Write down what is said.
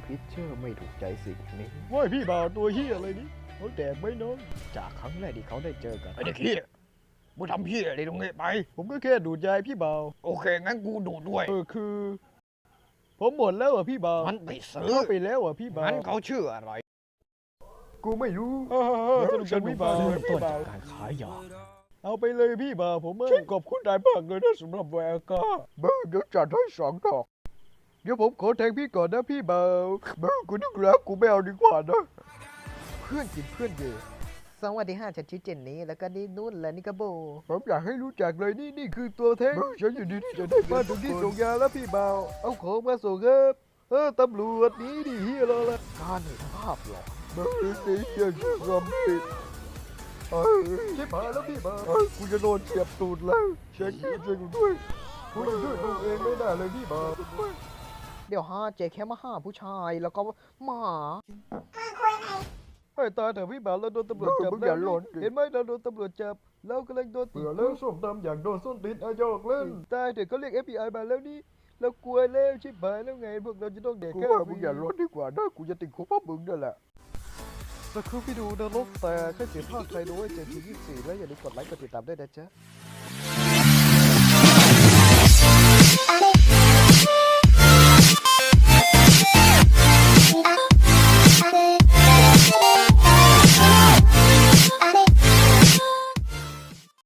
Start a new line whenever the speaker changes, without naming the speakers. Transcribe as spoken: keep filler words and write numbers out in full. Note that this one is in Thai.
พิชเชอร์ไม่ถูกใจสิ่งนี้
ว่าพี่บ่าวตัวเฮียอะไรนี่เขาแดกไหมน้องจากครั้งแรกที่เขาได้เจอกัน
ไอ้เด็กเฮียมึงทำเฮียอะไรตรงนี้ไป
ผมก็แค่ดูดยายพี่บ่าว
โอเค งั้นกูดูดด้วย
เออคือ ผมหมดแล้วอ่ะพี่บ่าว
มันไปซื้อ
เข้าไปแล้วอ่ะพี่บ่าว
งั้นเขาชื่ออะไร
กูไม่รู้
เออเออสนุกจังพี่บ่าว
เริ่มต้
พี่
น
บ่า
จาว กการขายยา
เอาไปเลยพี่บ่าวผมเออขอบคุณนายมากเลยนะสำหรับแวร์ก้าเบอร์เดี๋ยวจัดให้สองดอกเดี๋ยวผมขอแทงพี่ก่อนนะพี่บ่าวเบอร์กูนึกแล้วกูไม่เอาดีกว่านะเพื่อนกินเพื่อนเยอะ
สวัสดีค่ะฉันชื่อเจนนี่แล้วก็นี่นุ่นและนี่ก็โบ
ผมอยากให้รู้จักเลยนี่นี่คือตัวแท้งฉันอยู่ดีที่จะได้มาถึงที่ส่งยาแล้วพี่บ่าวเอาของมาส่งครับเออตำรวจหนี้ดิเฮียเราละ
การเห็นภาพหรอ
เบอร์สีเฮียชื่อซอมบี้เอ้ยชิบหายแล้วพี่บ่าวเอ้ยกูจะโดนเสียบตูดแล้วเช็คกี้ช่วยกูด้วยกูจะช่วยตัวเองไม่ได้เลยพี่บ่าว
เดี๋ยวฮะเจแค่มาหาผู้ชายแล้วก็หมา
ให้ตายเถอะพี่บ่าวเราโดนตำรวจจับ
มึงอย่าหล่นดิ
เห็นไหมเราโดนตำรวจจับเรากำลังโดนติด
เบื่อแล้วส้มตำอยากโดนส้นตีนอายอกเล่น
ตายเถอะเขาเรียก เอฟ บี ไอ มาแล้วนี่เรากลัวแล้วชิบหายแล้วไงพวกเราจะต้องเด็ก
กู
แค่
ว่ามึงอย่าหล่นดีกว่านะกูจะติดคุกเพราะมึงนั่นแหละ
สักครู่พี่ดูนรกแต่แค่เสียภาคใครดูให้เจนทียี่สิบสี่แล้วอย่าลืมกดไลค์กดติดตามด้วยนะจ๊ะ